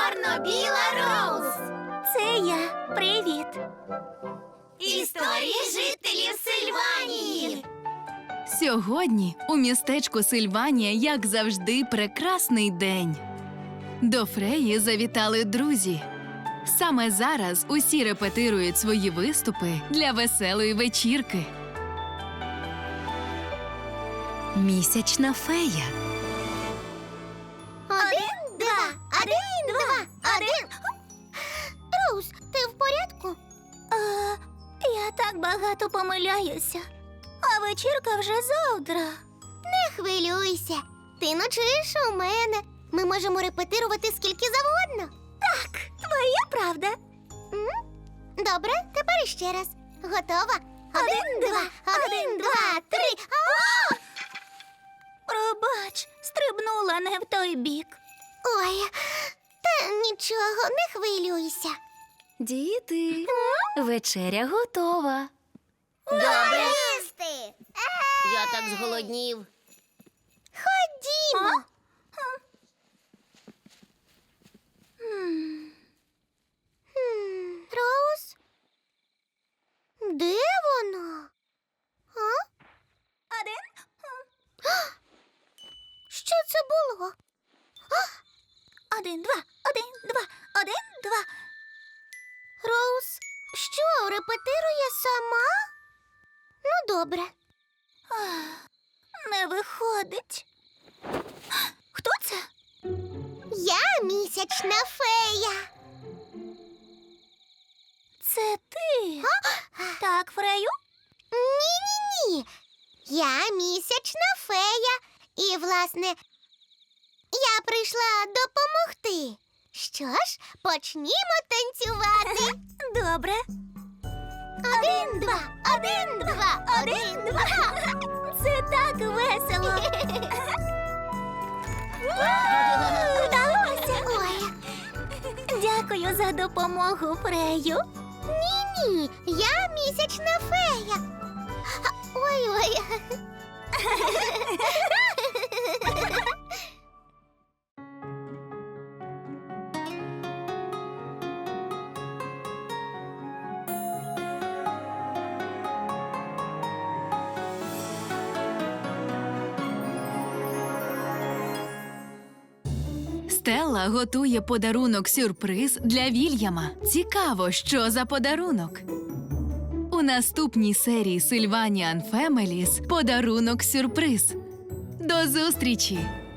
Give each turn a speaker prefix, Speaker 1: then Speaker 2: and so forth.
Speaker 1: Чорно-біла Роуз.
Speaker 2: Це я. Привіт.
Speaker 1: Історії жителів Сильванії.
Speaker 3: Сьогодні у містечку Сильванія, як завжди, прекрасний день. До Фреї завітали друзі. Саме зараз усі репетирують свої виступи для веселої вечірки. Місячна фея.
Speaker 1: 1, 2, 1, 2, 1. Роуз, ти в порядку?
Speaker 2: Я так багато помиляюся. А вечірка вже завтра.
Speaker 1: Не хвилюйся. Ти ночуєш у мене. Ми можемо репетирувати скільки завгодно.
Speaker 2: Так, твоя правда.
Speaker 1: Добре, тепер іще раз. Готова? 1, 2, 1, 2, 3.
Speaker 2: Пробач, стрибнула не в той бік.
Speaker 1: Ой, та нічого, не хвилюйся.
Speaker 3: Діти, вечеря готова.
Speaker 1: Добре їсти. Я так зголоднів. Ходімо. Роуз? Де вона?
Speaker 2: Один.
Speaker 1: Що це було?
Speaker 2: 1, 2, 1, 2, 1, 2.
Speaker 1: Роуз, що, репетирує сама? Ну, добре.
Speaker 2: Не виходить. Хто це?
Speaker 1: Я місячна фея.
Speaker 2: Це ти? Так, Фрею?
Speaker 1: Ні-ні-ні. Я місячна фея. І, власне, я прийшла допомогти. Що ж, почнімо танцювати.
Speaker 2: Добре.
Speaker 1: 1, 2, 1, 2, 1, 2.
Speaker 2: Це так весело. Вдалося.
Speaker 1: Ой,
Speaker 2: Дякую за допомогу, Фрею.
Speaker 1: ні-ні, я місячна фея. Ой-ой.
Speaker 3: Стелла готує подарунок-сюрприз для Вільяма. Цікаво, що за подарунок? У наступній серії Sylvanian Families подарунок-сюрприз. До зустрічі!